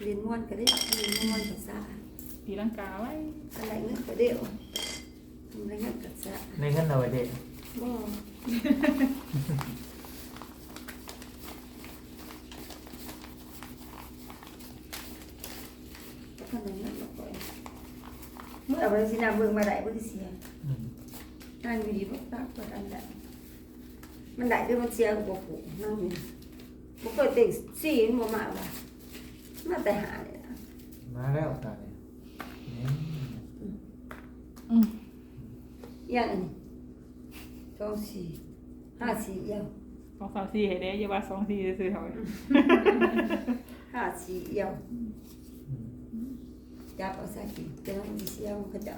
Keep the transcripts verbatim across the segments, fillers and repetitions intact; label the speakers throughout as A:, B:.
A: เรียนม้วนก็ได้เรียนม้วนภาษา
B: ตีลังกาไว้
A: อะไรเงี้ยก็เดียวอะไรเงี้ยก็จะ
C: ในขั้นเอาไว้เด็ก
A: บ่ขนาดนั้นก็ปล่อยเมื่อเอาไปสินาเบิ่งมาได้บ่ได้เสียนั่งอยู่ดีบ่ตากก็อันนั้นมันได้ด้วยมันเสียก็บ่ผูกนั่งอยู่บ่เคยเต็งสี่มันบ่มาว่ะมาแต่หาเลยนะ
C: มาแล้วตาเนี่ยนี่
B: อืม
A: อย่างอันนี้สองสี่ห้าสี่เอี่ยว
B: สองสามสี่ให้ได้อย่าว่าสองสี่ซื้อๆเท่าไหร่
A: ห้าสี่เอี่ยวจับเอาใส่กินแต่ว่ามันเสียมันก็จะ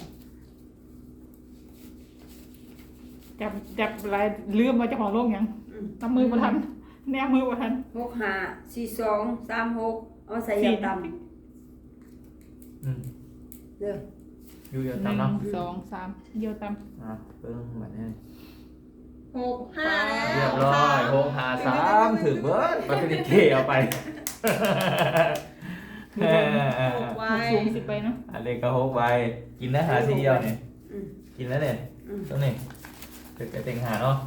B: จับจับลายลืมมาเจ้าของโลกยัง
A: อืม
B: ทำมือบ่ทันแนบมือบ่ทัน
A: หกห้าสี่สองสามหกเอาใส่ยาด
C: อืม
A: ำเด้อ
C: อยู่เยอะ
B: ห
C: ตาม
B: นึ่ง
C: เนาะ
B: สองสามเยี่ยวตาม
C: อ่ะเพิ่งแบบนี้
D: หกห้า
C: เรียบร้อยโฮงหาสามถือเบิร์ดมาเป็นเทเอาไป
D: หก
B: ห
D: ไว้
B: กสูงสิบไปเนาะ
C: อันเล็กก็หกใบกินนะหาทีเดียวเนี่ย
A: อืม
C: กินแล้วเนี่ย
A: อืม
C: ตรงนี้ถึงจะเต็งหาเนาะ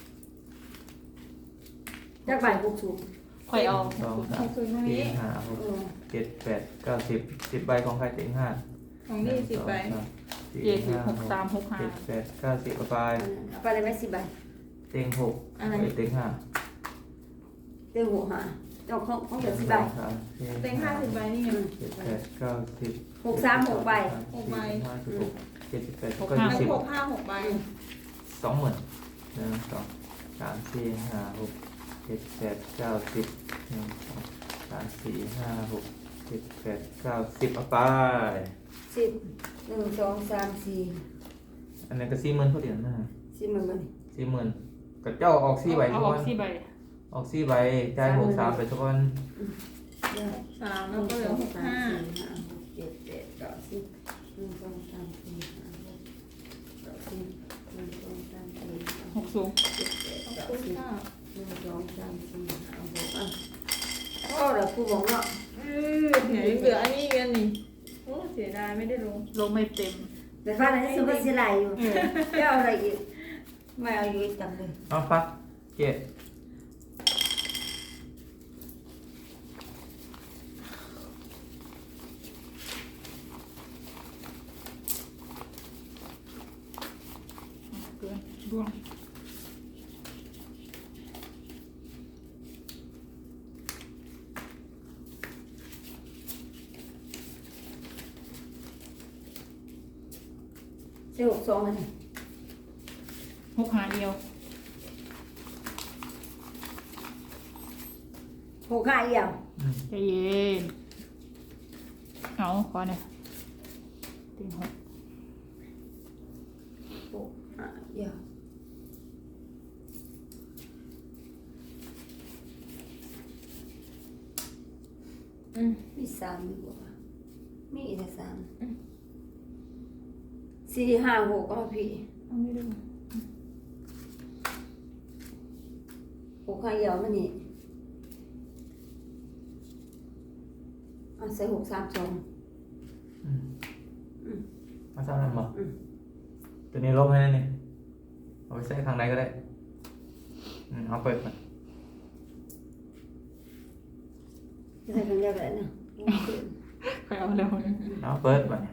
A: จักใบหกสูง
B: ค่อยเอา
C: สองสามสี่ห้าหก
A: เออ
C: เจ็ดแปดเก้าสิบสิบใบของใครเต็งห้า
D: ของนี่สิบใบ
C: หนึ่งสองสามสี่
B: เจ็ดสิบ
C: ห้า
B: หกสามหกห้า
C: เจ็ดแปดเก้าสิบเอาไป
A: เอาไปเลยไหมสิบใบ
C: เต็งหก
A: อะไร
C: เต็งห้า
A: เต็งหกห้าเจ้าของของเดือสิบใบ
C: สองสามสี่
D: เต็งห้าสิบใบนี่ไง
A: อืม
C: เจ็ดแปดเก้าสิบ
A: หกสามหกใบ
D: หกใบ
C: ห้าสิบหกเจ็ดสิบแปด
B: หก
C: ก็
B: ห้า
C: ยี่
D: ทั้ง
C: สิบ
D: หกห้าหกใบ
C: สองหมื่นหนึ่งสองสามสี่ห้าหกเจ็ดแปดเก้าสิบหนึ่งสองสามสี่ห้าหกเจ็ดแปดเก้าสิบเอาไป
A: สิบหนึ่งสองสามสี่
C: อันนี้ก็สี่หมื่นเขาเดียวนะ
A: สี่หมื่นใบ
C: สี่หมื่นกับเจ้าออกสี่ใบ
B: เอา
C: ทุก
B: ออ
C: วั
B: ก
C: น
B: สี่ใบ
C: ออกสี่ใบจ่ายหกสามไปทุกวัน
A: เด้อ
D: สาม
A: ห
D: แล้ว
A: นึ่ง
D: ก็เหลื
A: ส
D: อ
A: อง
D: หก
A: สาม
D: ห้า
A: สี่ห้าหกเจ็ดแปดเก้าสิบหนึ่งสองสามสี่ห้าหกเก้าสิบหนึ่งสองสามสี่ห้า
B: หกสูง
A: เจ็ดแปด
D: ขอบ
A: เก้า
D: คุณ
A: สิบ
D: ค่ะ
A: หนึ่งสองสามสี่ห้าหกอ่ะก็เราครูบอกเนาะ
D: เออเดี๋ยวเหลืออันนี้กันนี่โอ้เสียดายไม่ได้ลง
B: ลงไม่เต็ม
A: แต่ฟ้าในที่สุดก็เสียไหลอยู่
B: เออ
A: จะเอาอะไรอีกไม่เอาอยู่อีกจังเลย
C: เอาฟักเจ็ด
B: เกินร่วง
A: เสียหกสองอันนี้
B: หกหาเดียว
A: หกห้าเอี่ยว
C: อืม
B: ใจเย็นเอาขอเนี่ยติงหก
A: หกห้าเอี่ยวอืมมีสามดีกว่ามีอีกแต่สามสี่ห้าหกก็มาพี่
B: เอาไม่ได้ไหม
A: หกห้าเอี่ยวมันนี่เอาใส่หกสามสอง
C: อืม
A: อืม
C: มาสร้างนั่นบ่
A: อืม
C: ตัวนี้ลบให้นั่นนี่เอาไปใส่ข้างในก็ได้อืมเอาเปิดก่อน
A: จะใส่กันเดียวกันนะ
B: ค่อยเอาเร็ว
C: เอาเปิดก่อน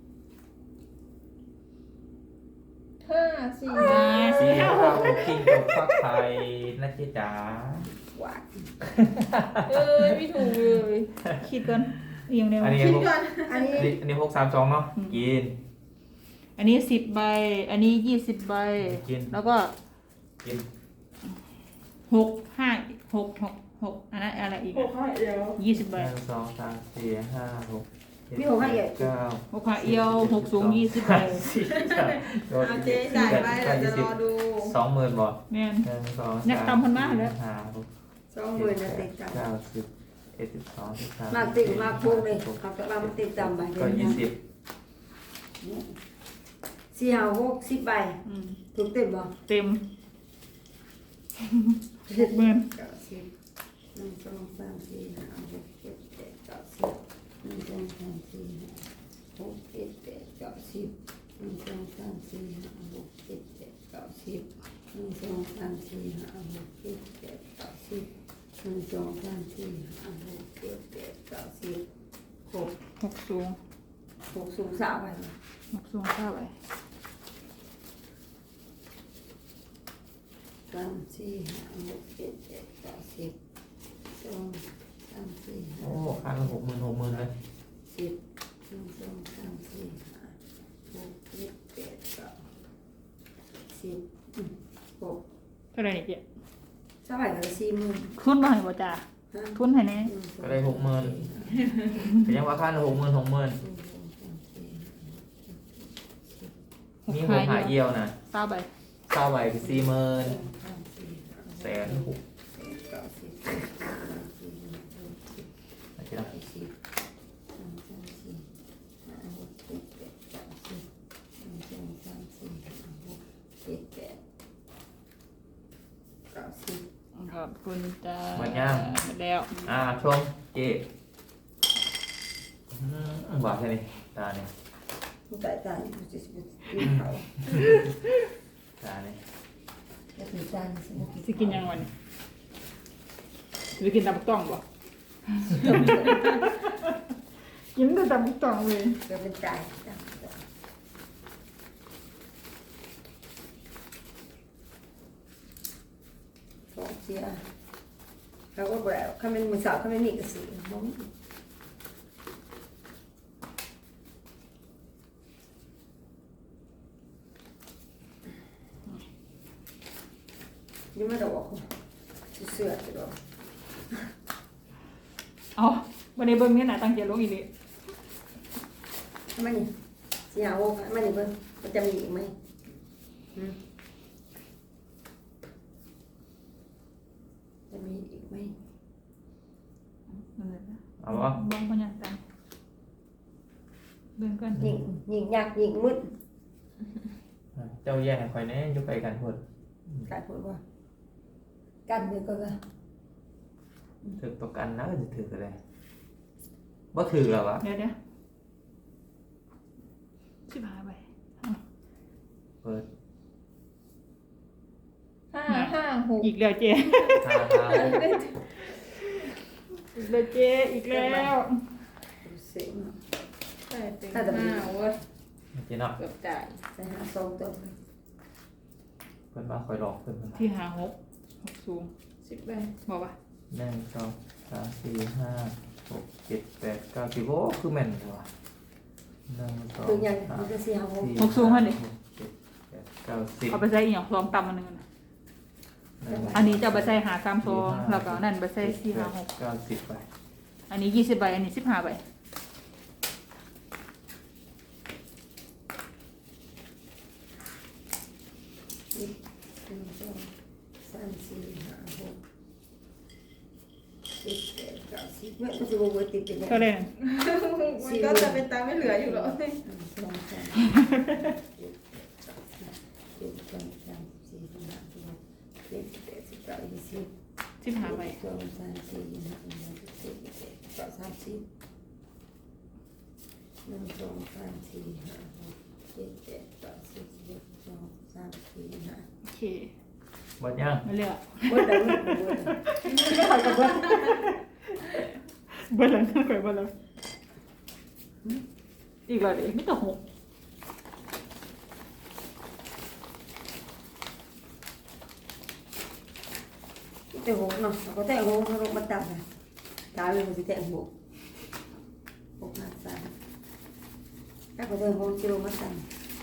D: ห้าสี่
B: อ่า
C: สี่
B: สี่
C: ห้า
B: ห้า
C: หกกินกับฟักไทยนะเจ๊จ๋า
A: หวาน
D: เอ้ยไม่ถูกเลย
B: คิดก่อนเรียงเร็ว
C: อันนี้
D: คิด
C: หก
D: ก่อน
A: อันนี้
C: อันนี้อันนี้หกสามสองเนาะกิน
B: อันนี้สิบใบ อันนี้ยี่สิบใบ
C: กิน
B: แล้วก็
C: กิน
B: หกห้าหกหกหกอันนั้นอะไรอีก
D: หกห้าเดียว
B: ยี่สิบ
C: ห
B: ใบ
C: นึ่งสองสามสี่ห้าหกเจ็ด
A: มีหกห้าเอี่ยว
C: เก้า
B: หกขาเอียวหกสูงยี่สิบใบ
C: สี่สาม
D: เอาเจ๊จ่ายไปเดี๋ยวจะรอดู
C: สองหมื่นบ่
B: แม่น
C: หนึ่งสอง
B: อยากตำคนมากเลย
C: ห้าหก
A: สองหมื่นนะติดกัน
C: เก้าสิบเอ็ดสิบสองสิบสาม
A: มากติดมากพวกเลยเขาจะมาติดตามใบ
C: ก็ยี่สิบ
A: สี่ห้าหกสิบใบ
B: อืม
A: ถูกเต็มบ่
B: เต็มหกหมื่น
A: เก้าสิบหนึ่งสองสามสี่ห้าหกเจ็ดแปดเก้าสิบสิบหนึ่งสองสามสี่ห้าหกเจ็ดแปดเก้าสิบหนึ่งสองสามสี่ห้าหกเจ็ดแปดเก้าสิบหนึ่งสองสามสี่ห้าหกเจ็ดแปดเก้าสิบหก
B: หกสูง
A: หกสูงสามไป
B: หกสูงเข้าไป
A: สามสี่ห้าหกเจ็ดแปดเก้าสิบสองสามสี่ห้า
C: โอ้ค่ามันหกหมื่นหกหมื่นเลย
A: สิบหนึ่งสองสามสี่ห้าหกเจ็ดแปดเก้าสิบอืมหก
B: เท่าไหร่นี่เจ๊
A: สบายกันสี่หมื่น
B: ทุนมาให้บ่จ้า
A: ฮะ
B: ทุนให้แน่
A: หนึ่งสอง
C: ก็ได้หกหมื่นแต่ยังว่าค่าหกหมื่นหกหมื่น
A: หนึ่งสองสามสี่ห้าหกเจ็ด
B: หก
C: มีห
B: หาก
C: หา
B: เดี
C: เยี่
B: ย
C: ยว วนะ
B: เก้าใบ
C: เศร้าใบคือสี่หมื่น
A: สามสี่ห้าหก
C: แสนหก
A: เจ็ดเก้าสิบสิบเอ็ดสิบสองสิบสามสิบ
C: อาจจะได้
A: สี่สิบสามสามสี่ห้าหกเจ็ดแปดเก้าสิบหนึ่งสองสามสี่ห้าหกเจ็ดแปดเก้าสิบ
B: ขอบคุณจ้า
C: หมดยัง
B: หมดแล้ว
C: อ่าชมเจ๊อืมหวานแค่นี้ตาเนี่ย
A: ผู้ตายตายผู้จะสิบกินเขา
C: ตาเนี่ย
A: จะกินจานสิบกิน
B: สิกินยังวันนี้สิกินตำบักต้องบ่กินแต่ตำบักต้องเลย
A: จะเป็นจานจานสองเชียร์เขาก็แบบเขาเป็นมือสาวเขาไม่มีกระสือมองยังไม่ได้บอกเสื้อจะบอก
B: เอาวันนี้เบิ่งเนี่ยน่ะตั้งใจลงอีนี่
A: ทำไมนี่สีหาวงทำไมนี่เพิ่งมันจะมีอีกไหมอืมจะมีอีกไหม
B: นั่นแหละนะ
C: เอาวะ
B: บ้องพญาตังเบิ่งกัน
A: ยิงยิงยากยิงมืด
C: เจ้าแย่งให้คอยแน่อยุไปกันพูด
A: การพูดว่ากันเดียวก็ว่า
C: ถือประกันนะจะถืออะไรบ่ถือหรอวะ
B: เดี๋ยวเดี๋ยวสิบห้าใบ
C: เปิด
D: ห้าห้าหก
B: อีกแล้วเจ๊
C: ห้าห้าหก
B: อีกแล้วเจ๊อีกแล้ว
A: เสียง
D: ใช่เต็งห้าเว้ย
C: เจ๊เนาะ
D: เกือบจ่าย
A: ใส่หาสองตัว
C: เพิ่นมาคอยหลอกเพิ่นมา
B: ที่หาหกหกสูง
D: สิบใบ
B: บอกว่า
C: หนึ่งสองสามสี่ห้าหกเจ็ดแปดเก้าสิบโอ้คือแม่นเลยวะหนึ่งสอง
A: คือยัง
C: สาม
A: มันจะสีหาวง
C: สี่
B: หกสูงเท่าไหร่
C: หกเจ็ดแปดเก้าสิบ
B: เอาไปใส่อีกอย่างสองตำอันหนึงน่ะ
C: หนึ่ง
B: อันนี้จะเอาไปใส่หาสามโซแล้วก็นั่นไปใส่สี่หาหก
C: เก้าสิบไป
B: อันนี้ยี่สิบใบอันนี้สิบห้าใบ
A: หนึ่งสองสามสี่ห้าหกเจ็ดแปดเก้าสิบเมื่อมันจะบวกติดเป็นยัง
B: เท่าไหร่นั่น
D: มันก็จะเป็นตามไม่เหลืออยู่หรอ
A: หนึ่งสองสามเจ็ดแปดเก้าสิบเจ็ดสองสามสี่ห้าหกเจ็ดแปดสิบเก้ายี่สิบ
B: สิบห้าใบ
A: สองสามสี่ห้าหกเจ็ดแปดเก้าสามสิบหนึ่งสองสามสี่ห้าหกเจ็ดแปดเก้าสิบสิบเอ็ดสองสามสี่ห้า
B: โอเค
C: หมดยัง
B: ไม่เลือก
A: เบิดแล้วเบิดแล้ว
B: ไม่เอากับเบิ้ลเบิ้ลแล้วนะข่อยเบิ้ลแล้วอีกแล้วดิไม่ต้องหก
A: แต่หกเนาะก็แต่หกเขาลงมาตัดนะตาเลยมันจะแต่หกหกห้าสามถ้าก็แต่หกจะลงมาตัด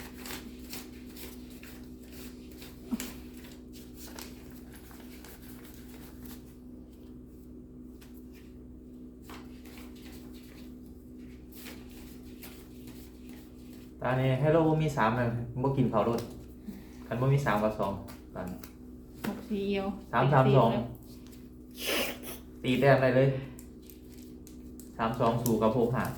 C: ตาเนี่ยให้เราบ่มีสามเลยบ่กินเผารถคันบ่มีสามกับสองตอนนี้
B: หกสี่เอียว
C: สามสามสองตีแต้มได้เลยสามสองสู่กับหกห้า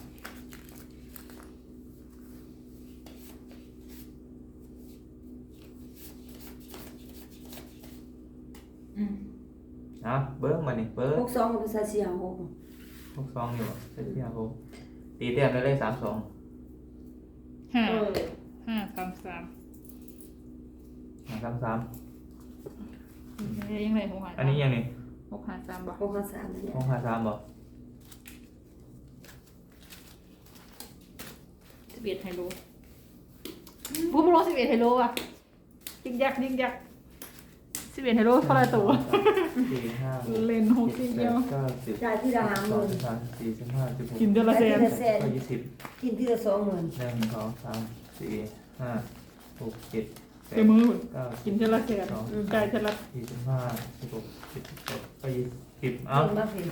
D: อืม
C: นะเบิ้งมานี่เบิ้ง
A: หกสองกับภาษาสี่ห้าหก
C: หกสองอยู่เส้นที่หกตีแต้มได้เลยสามสอง
B: โอห้า
D: เออ
B: ห้าสามสาม
C: หาสามสาม
B: ยังไงหกหา
C: อันนี้ยังนี่
B: หกหาสามบ่
A: หกห้าสามนั่นแหละ
C: หกหาสามบ่
B: สิบเอ็ดไฮโลบูมโลสิบเอ็ดไฮโลอ่ะยิงยักยิงยักสิบเอ็ดไฮโลเท่าไรตัว
C: สี่ห้าหก
B: เล่นหกทีเดียว
C: เก้าสิบ
A: จ่ายที่ละห้าห
C: สอง
A: มื่น
C: สามสี่สิบห้าสิบหก
B: กินเดือนละแสน
C: ก็ยี่สิบ
A: กินที่ละสองหมื่น
C: หนึ่งสองสามสี่ห้าหกเจ็ดแป
B: เต็
C: ด
B: มมือ
C: เก้า
B: กินเดือนละแสนจ่ายเดือนละ
C: สี่สิบห้าสิบหกสิบเจ็ดก็ยี่สิบเอ้า
A: กินมาเพียง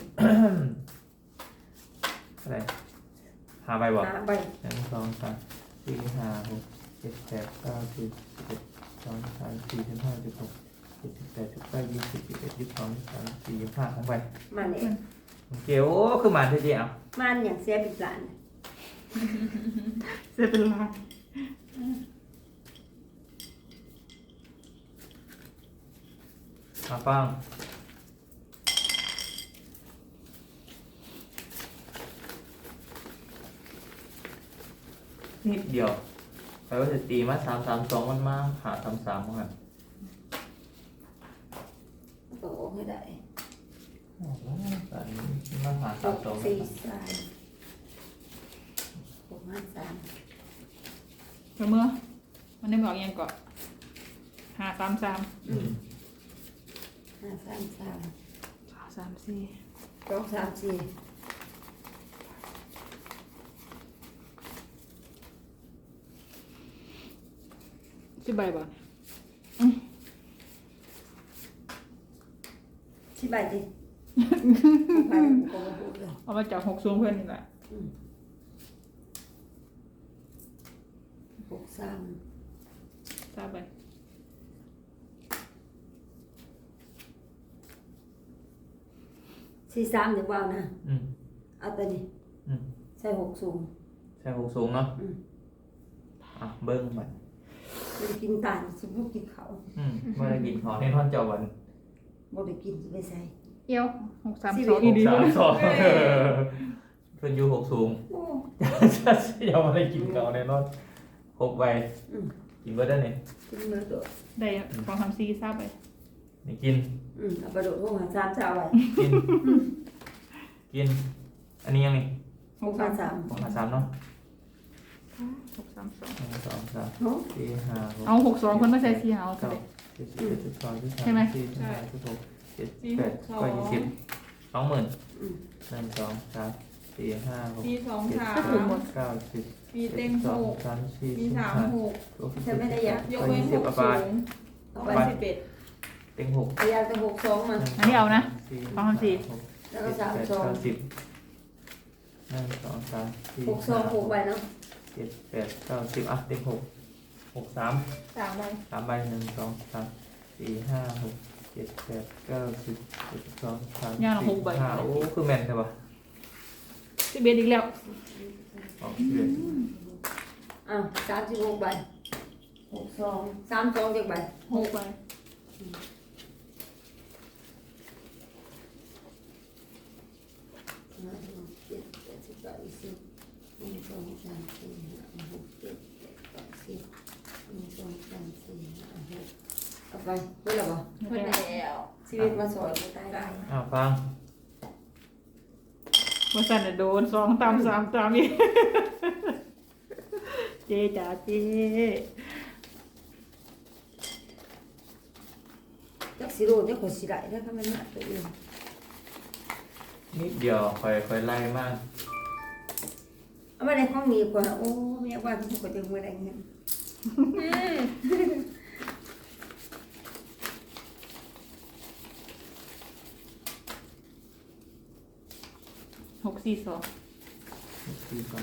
C: อะไรหาใบบ่
A: หาใบ
C: หนึ่งสองสามสี่ห้าหกเจ็ดแปดเก้าสิบสิบเอ็ดสองสามสี่สิบห้าสิบหกเจ็ดสิบแปดสิบเก้ายี่สิบยี่สิบเอ็ดยี่สิบสองยี่สิบสามสี่ยี่สิบห้าของใบ
A: มันเอง
C: เกี่ยวคือมันเท่าเดียว
A: มันอย่างเสียบิดหลาน
B: เสียเป็นล้าน
C: มาฟังนิดเดียวแปลว่าจะตีมาสามสามสองมันมาหาสามสามมั้ง
A: โตให้ได้
C: โอ้โหตอนนี้มาหา
A: ห
C: สาม
A: ก
C: สอง
A: สี่สามหกห้าสาม
B: เดี๋ยวเมื่อมันได้บอกยังก่อนหาสามสาม
C: อืม
A: ห้าสามสาม
B: สามสี่
A: สองสามสี่
B: สิบใบบ่
A: สิบใบดิใบก็มาพูดเลย
B: เอามาจากหกสูงเพื่อนนี่แหละ
A: อืมหกสาม
B: ทราบไป
A: สี่สามเดี๋ยวว่านะ
C: อืม
A: เอาตัวนี้
C: อืม
A: ใส่หกสูง
C: ใช่หกสูงเนาะ
A: อืม
C: อ่ะเบิ้งมัน
A: ไม่ได้กินตาลสมมติกินเขา
C: อืมเมื่อไรกินของในท่อนเจ้าวัน
A: บ่ได้กินไม่ใส่
B: เอี้ยวหกสาม
A: สิบ
B: ส
A: เอ็
B: อ
A: ด
B: งอีดี
C: สาม
B: เลย
C: สองเพิ่นอยู่หกสูง
A: โอ้
C: อย่ามาได้กินเขาในนอนหกใบ
A: อืม
C: กินเบิร์ดได้เนี่ย
A: กินมือโดด
B: ได้สองสามสี่ทราบไป
C: นี่กิน
A: อืมเอาไปโดดลงหาสามเช้าไว้
C: กิน กิน อันนี้ยังนี่
A: หกห้าสาม
C: หกหาสามเนาะ
B: หกสามสอง
C: หนึ่งสองสาม
A: เนาะ
C: สี่ห้าหก
B: เอาหกสองคนไม่ใส่สี่เอา
C: เก้า
B: เลย
C: สิบสิบเอ็ดสิบสองสิบสาม
B: ใช่ไหม
C: สิบสี่สิบห้าสิบหกเจ็ด
D: สี่
C: แป
D: ห
C: ด
D: กสอง
C: ก็ยี่สิบสองหมื่น
A: อืม
C: หนึ่งสองสามสี่ห้าหก
D: มีสอง
C: เจ็ด
D: สา
C: แป
D: ม
C: ดเก้าสิบ
D: มีเต็ง
C: ส
D: ห
C: อง
D: ก
C: สามสี่
D: มี
C: สิบ
D: สาม
C: ห้า
D: หก
C: หกสิบ
A: ฉันไม่ได้อยาก
D: ยก
C: ก็
D: เว้น
C: ยี่
D: ห
C: สิบ
D: ก
C: เอา
D: สู
C: ไป
D: ง
A: เอา
D: เอา
A: ไป
D: ไปสิบเอ็ด
C: เต็งหก
A: พยายามจะหกสองมา
B: อันนี้เอานะ
C: สี่
B: สองสามสี่
C: หก
A: แล้วก็
C: เจ็ด
A: สาม
C: แปด
A: สอง
C: เก้าสิบหนึ่งสองสามสี่
A: หกสองหกใบเนาะ
C: เจ็ดแปดเก้าสิบอ่ะเต็งหกหกสาม
D: สามใบ
C: สามใบหนึ่งสองสามสี่ห้าหกเจ็ดแปดเก้าสิบเจ็ดสองสามสี่ห้าโอ้คือแมนใช่ปะ
B: สิบเอ็ดอีกแล้ว
C: ออกเดือน
A: อ้าวสามสิบหกใบหกสองสามสองเจ็ดใบ
B: หกใบ
A: ห้าหกเจ็ดแปดสิบเก้ายี่สิบหนึ่งสองสามสี่ห้าหกเจ็ดแปดเก้าสิบหนึ่งสองสามสี่ห้าหกเอาไปเมื่อไหร่บ่
D: เพื่อนแล้ว
A: ชีวิตมาสอนกูตายได้
C: อ้าวฟัง
B: ว่าสันน่ะโดนสองตามสามตามอีก เจจ๋าเจ
A: จักสิโรเนี่ยคนสิได้ถ้าเขาไม่มาตัวเอง
C: นิดเดียวคอยคอยไล่มาก
A: เอามาในห้องมีกว่าโอ้แม่ว่าที่คนจะมือได้เงิน
B: หกสี่สอง
C: สี่ก่อน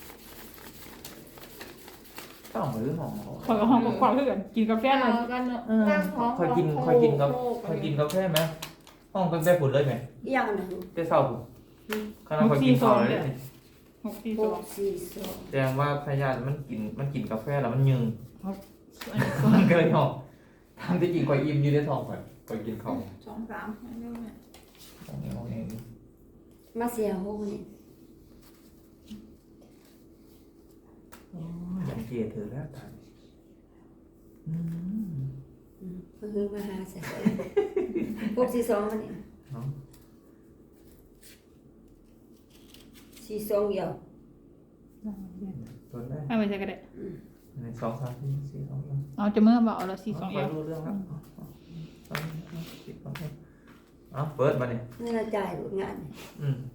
C: ต้องหรือหอม
B: ขอยกับห้องกับความเพื่อนกินกาแฟหน่อย
D: เอากันเนอะนั่งท้อง
C: คอยกินคอยกินกับคอยกินกาแฟไหมห้องเป็นแบบผุดเลยไหม
A: อีกอย่างหนึ่ง
C: ได้เศร้าผุดขณะคอยกินข้าวเลย
B: หกสี่
A: ห
B: สอก ง
A: สี่สอง
C: แสดงว่าพยานมันกินมันกินกาแฟแล้วมันยึง
B: อันนี้สอง
C: มันก็เลยหอมทำที่กินคอยอิ่มอยู่ในท้องก่อนคอยกินข้าว
D: สองสามให้ได้ไหม
C: ตรงนี้ตรงนี้
A: มาเสียหกนี่
C: อย่างเจี๋ยเธอแล้วตายอืม
A: อืมก็คือมาหาใส่หกสี่สองมันนี่
C: เนาะ
A: สี่สองเดียว
C: ตัวแรก
B: เอาไปใส่ก็ได้
A: อืม
C: หนึ่งสองสามสี่สี่สองสาม
B: เอาจะเมื่อบอกเอาละสี่สอง
C: ไป
B: เอว
C: รู้เรื่องแล้วเอาเอาสิบสองเอ็ดเอาเปิดมาเนี่ย
A: นี่เราจ่ายหลุดงาน
C: อืม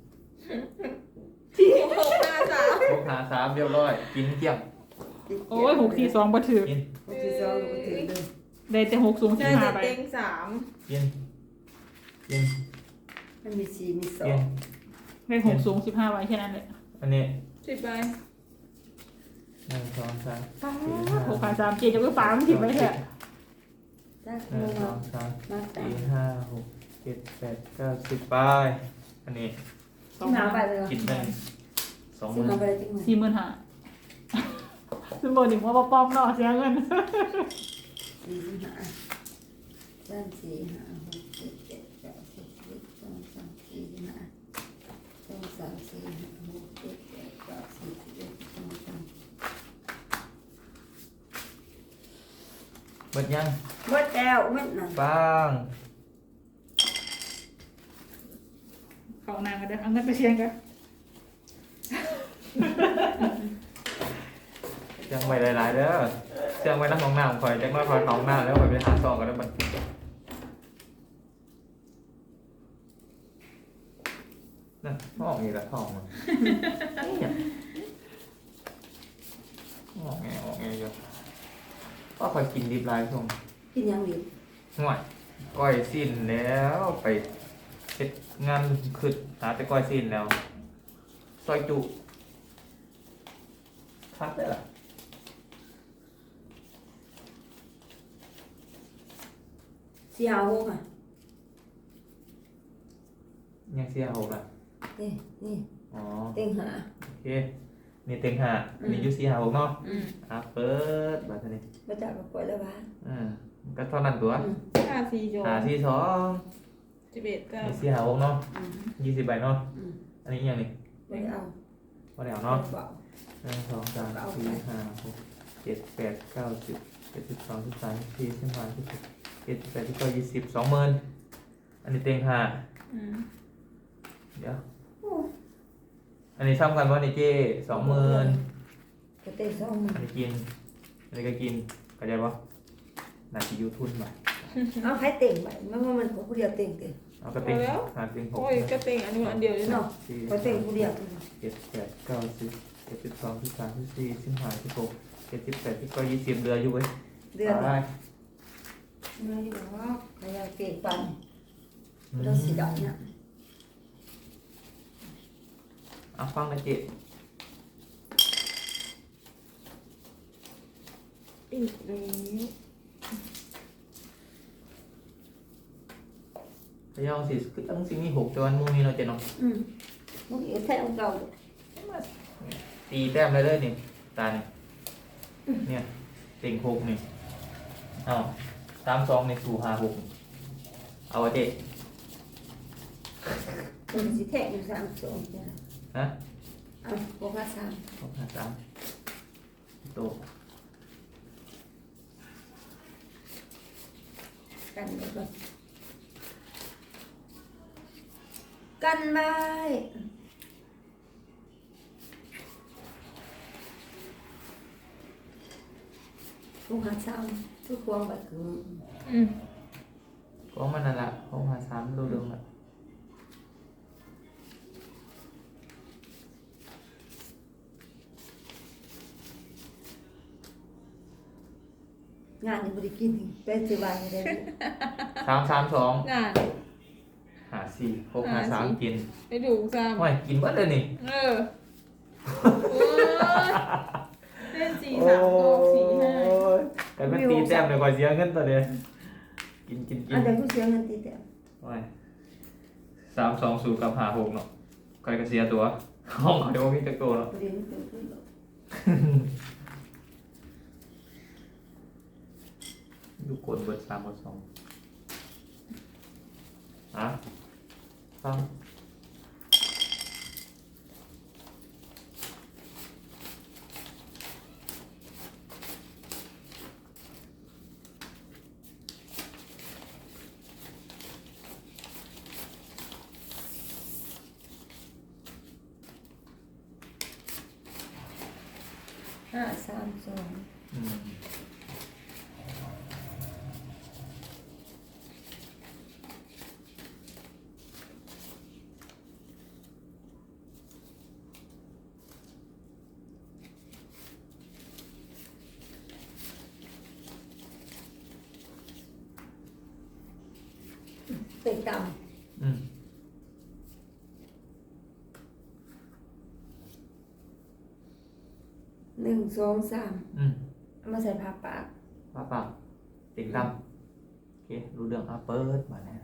D: หกห้าสาม
C: หกหาสามเรียบร้อยกินเกลี้ยง
B: โอ้ยหกสี่สองบ่ถือ
C: กิน
A: หกสี่สองก็ถือเลย
B: ได้แต่หกสูงสิ
D: ได้
B: บห้า
D: แต่
B: ไป
D: เต็งสาม
C: กินกิน
A: มันมีสี่มีสอ
C: กิ
A: ง
C: น
B: ได้หกสูงสิบห้าไว้แค่นั้นเลย
C: อันนี้
D: สิบใบ
C: หนึ่งสองสาม
B: หกขาสามเจ็ดจะไปฟ้ามันถิ่มไว้แท้
A: จ้า
C: หนึ่งส
A: มา
C: องสาม
A: มาตา
C: สี่ห้าหกเจ็ดแปดเก้าสิบไปอันนี้
A: ที่มาไปเลย
C: กินได้สองห
A: ที่
C: มื่น
A: มาไปเลยที่มา
B: สี่หมื่นห้าซึ่งบอกหนึ่งว่าป้อมเนาะเสียเงิน
A: สี่สิบห้าสามสี่ห้าหกเจ็ดแปดเก้าสิบสิบเอ็ดสองสามสี่ห้าสองสามสี่ห้าหกเจ็ดแปดเก้าสิบสิบเอ็ดสองสาม
C: เบิดยัง
A: หมดแล้วหมดนั่น
C: ปัง
B: ของนางก็ได้เอาเงินไปเชียงกัน
C: เชียงไว้หลายๆเด้อเชียงไว้น้ำของน้ำคอยจังน้อยคอยของน้ำแล้วคอยไปหาซองกันแล้วบัดนั่นห้องอีกแล้วห้องมันเนี่ยห้องไงห้องไงเยอะก็คอยกินดิบลายช่วง
A: กินยังดี
C: ห่วยก้อยสิ้นแล้วไปเฮ็ดงานขึ้นหาแต่ก้อยสิ้นแล้วซอยจุคัดได้ล่ะ
A: สี่ห้าหกอ่ะ
C: ยังเสียหกอ่ะ
A: นี่นี่
C: อ๋อ
A: เต็งหา
C: โอเคนี่เต็งห้าอันนี้อยูสี่ห้าหกเนาะ
A: อืม
C: อ่ะเปิดบัตรนี้
A: มาจากกับปล่อยแล้วบ้า
C: อ่าก็เท่านั้นตัว
A: อืม
D: ห้าสี่โจ
C: หาสี่สอง
D: สิบเอ็ดเก้า
C: นี่สี่ห้าหกเนาะ
A: อืม
C: ยี่สิบใบเนาะ
A: อืม
C: อันนี้อหย่างนี้
A: ไม่เอา
C: ว่าเดี๋ยวเนาะ
A: เบา
C: หนึ่งสองสามสี่ห้าหกเจ็ดแปดเก้าสิบเจ็ดสิบสองสิบสามสิบสี่สิบห้าสิบหกเจ็ดสิบแปดสิบเก้ายี่สิบสองหมื่นอันนี้เต็งห้า
D: อืม
C: เดี๋ยว
A: โอ้
C: อันนี้ซ้ำกันว่านี่เจ้สองหมื่น
A: ก็เต็งสองหมื่น
C: อันนี้กิน อันนี้ก็กินเข้าใจปะนาทียูทุนมา
A: เอาให้เต็งไปมันว่ามันของผู้เดียวเต็งเต็ง
C: เอาก็เต็งหาเต็งหก
D: โอ้ยก็เต็งอันนี้อันเดียวเลยเนาะ
A: เนาะ
C: สี่
A: ก็เต็งผู้เดียว
C: เจ็ดแปดเก้าสิบเจ็ดสิบสองสิบสามสิบสี่สิบห้าสิบหกเจ็ดสิบแปดสิบเก้ายี่สิบเดือนอยู่เว้ย
A: เดือน
C: ได้
A: มาอยู่ว่าพยายามเก่งปันเราสีดำเนี่ย
C: เอาฟังนะเจ๊
D: อีกเลย
C: พยายามสิคือตั้งสิ่งนี้หกจนมูมีเราะเจ๊เนาะ
A: อืมมึงเอ๋แท้ของเก่า
C: ตีแต้มเลยเลยนี่ตานี่เนี่ยเต็งหกนี่เอาสามสองในสู่ห้าหกเอาวะเจ๊
A: เป็นสีแท้อยู่สามสองจ้ะ
C: ฮะ
A: เอาหกห้าสาม
C: หกห้าสามโต
A: กันไปก่อนกันไว้หกห้าสามทุกควงแบบคือ
D: อืม
C: ก็มันนั่นแหละหกห้าสามดูเรื่องละ
A: งานยังไม่ได้กินเป็นสิบวันเลย
C: สามสามสอง
D: น่า
C: หาสี่หกห้าสามกิน
D: ไปดูซ้
C: ไม่กินเบิดเลยนี่
D: ำเออโอ้ยเล่นสี่สามก็สี่ห้า
C: แต่มันตีแต้มเลยกว่าเสียเงินตัวเดียวกินกินกิ
A: อั
C: น
A: นเดียวกูเสียเงินตีแต่
C: ไม่สามสองศูนย์กับหาหกเนาะใครก็เสียตัว ห้องเขาเดี๋ยวมีตะโกนเนาะ
A: ประเด็นเกิดขึ้นหรอก
C: ดูกดเบิดสามเบิดสองอ่ะฟัง
A: ห้าสามสอง
C: อืม
A: เต็งต่
C: อืม
A: ำหนึ่งสองสาม
C: อืม
A: เอามาใส่ผ้าปาก
C: ป้าป้าติ่งดำโอเครู้เรื่องอ่ะเปิดมาเนี่ย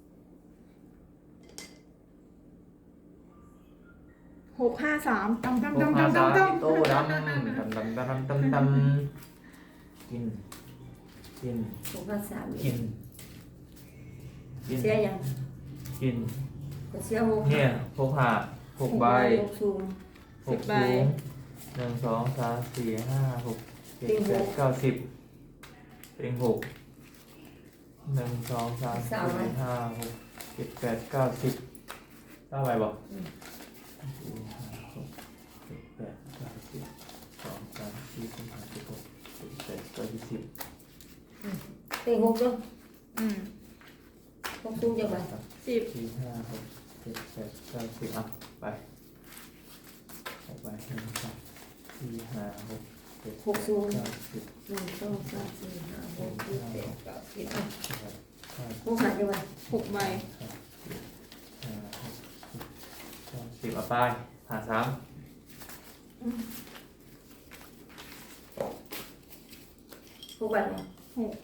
D: หกห้าสามตำตำ
C: พวก
D: ตำ
C: ภา
D: ตำ
C: ษา
D: ตำต
C: อิโต้ดำดำดำดำดำดำดำกินกิน
A: หกห้าสาม
C: กินกิน
A: เสียยัง
C: กิน
A: ก็เสียหก
C: เนี่ยหกหาหกใบ
A: หกสูง
C: หกสูงหนึ่งสองสามสี่ห้าหกเจ็ดแปดเก้าสิบเป็นหกหนึ่งสองสามสี่ห้าหกเจ็ดแปดเก้าสิบเท่าไหร่บอกสี่ห้าหกเจ็ดแปดเก้าสิบสองสามสี่ห้าสิบหกเจ็ดแปดเก้าสิบ
A: เต็งหกเนาะ
D: อืม
A: หกสูงจะไป
D: สิบ
C: สี่ห้าหกเจ็ดแปดเก้าสิบอ่ะไปออกไปหนึ่งสองสี่ห้าหกเจ็ดแปดเก้าสิบ
A: หนึ่งสองสามสี่ห้าหกเจ็ดแปดเก้าสิบอ่ะ
C: สิบเอ็ดห้า
A: หกหาจะไป
D: หกใบ
C: ห้าหกเจ็ดแปดเก้าสิบอ่ะไปหาสาม
A: หกใบเนาะ
D: หก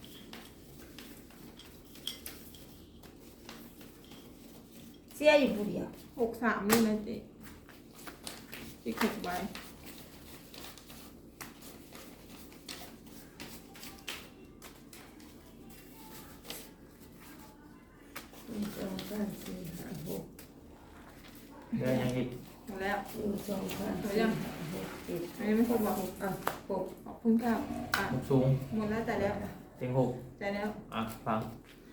A: เสียอยู่ผู้เดียว
D: หกสามนี่นะเจ๊อีกหกใบ
A: หนึ่งสองสามสี่ห้าหก
C: เดินยังอีก
D: หมดแล้ว
A: หนึ่งสองสามสี่ห้าหกเจ็ด
D: อันนี้ไม่ครบหรอก
A: อ่ะหก
D: ขอบคุณครับอ่ะ
C: หกสูง
D: หมดแล้วแต่แล้ว
C: เต็งหก
D: แต่แล้ว
C: อ่ะฟัง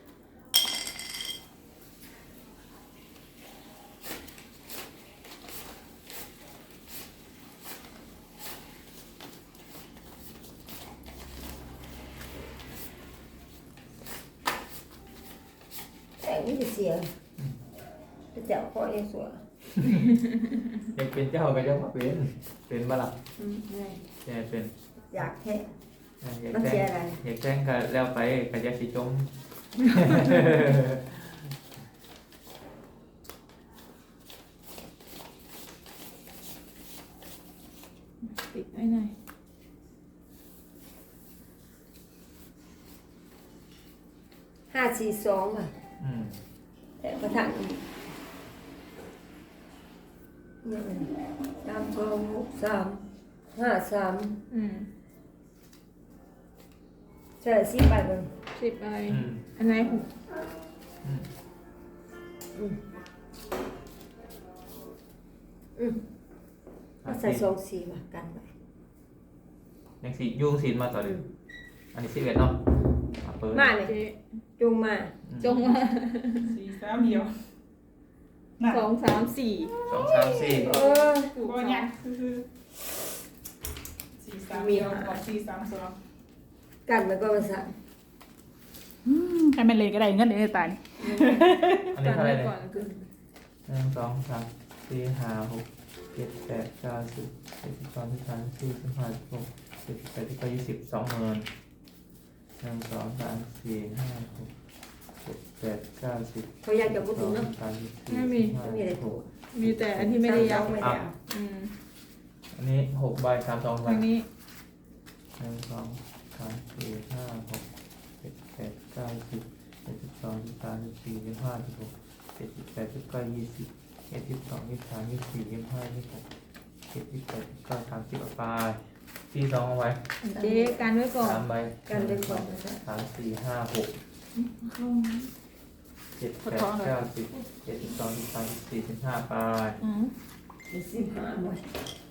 A: แต่ไม่ได้เสียจะเจ้าพ่อเองสวย
C: อยากเป็นเจ้าก็เจ้ามาเป็นเป็นบ้าล่ะ
A: อืมไม่
C: แกเป็น
A: อยากแค่
C: อ่ะอยาก
A: มัน
C: แต่
A: เสีย
C: ง
A: อะไร
C: อยากแต่งก็แล้วไปก็จะสิจม
D: ติดไว้หน่อย
A: ห้าสี่สองอ่ะ
C: อืม
A: แต่ประทังอีกเนี่ยมันสามสองหกสามห้าสาม
D: อืม
A: ใช่สิบใบเลย
D: สิบใบ
C: อืม
D: อันไหนหก
C: อืม
A: อืมอืมเอาใส่สองสี่มากันไป
C: ยังสียุ่งสีมาต่อ
A: อื
C: ดิ
A: ม
C: อันนี้สิบเอ็ดเนาะอ่ะเปิด
A: มาเลย
D: เจ๊
A: จุงมา
C: อืม
D: จงว่า
E: สี่สามเดียวน่ะ
D: สองสามสี่
C: สองสามสี่
A: เออ
D: ถูก
E: ก็
D: สอ
E: ยัง
D: ง
E: คือสี่สามเดียวกับสี่สามสอง
A: กันแล้วก็มาสั่ง
E: ใครเป็นเลยก็ได้เงินเดือนตาย
C: อันนี้
D: กัน
C: เท่าไห
D: ไว้
C: ร่เนี่ย
D: ก่อนคือ
C: หนึ่งสองสามสี่ห้าหกเจ็ดแปดเก้าสิบเจ็ดสิบสองสิบสามสิบสี่สิบห้าสิบหกสิบแปดสิบเก้ายี่สิบสองหมื่นหนึ่งสองสามสี่ห้าหกเจ็ดแปดเก้าสิบ
A: เขาอยากจะพูด
C: ส
A: ถึ
C: อง ง
A: เนาะ
C: สามสี่
D: ไม่มี
C: ห้า
A: ไม่มีอะไร
C: ห
A: ถู
C: ก
A: ก
D: มีแต่อันที่ไม่ได้ยับ
A: ไม่ได้เอา
D: อืม
C: อันนี้หกใบสามสองใบ
D: ทางนี้
C: หนึ่งสองสามสี่ห้าหกเจ็ดแปดเก้าสิบเจ็ดสิบสองสิบสามสิบสี่สิบห้าสิบหกเจ็ดสิบแปดสิบเก้ายี่สิบเอ็ดสิบสองยี่สิบสามยี่สิบสี่ยี่สิบห้ายี่สิบหกเจ็ดสิบแปดสิบเก้าสามสิบไปที่สองเอาไว้
D: เจ๊กันไว้ก่อน
C: สามใบ
A: กันเป็นคนนะจ๊ะ
C: สามสี่ห้าหกเจ็ดแปดเก้าสิบเจ็ดสิบสองสิบสามสิบสี่สิบห้าไป
D: อืม
A: มีสิบห้าหมด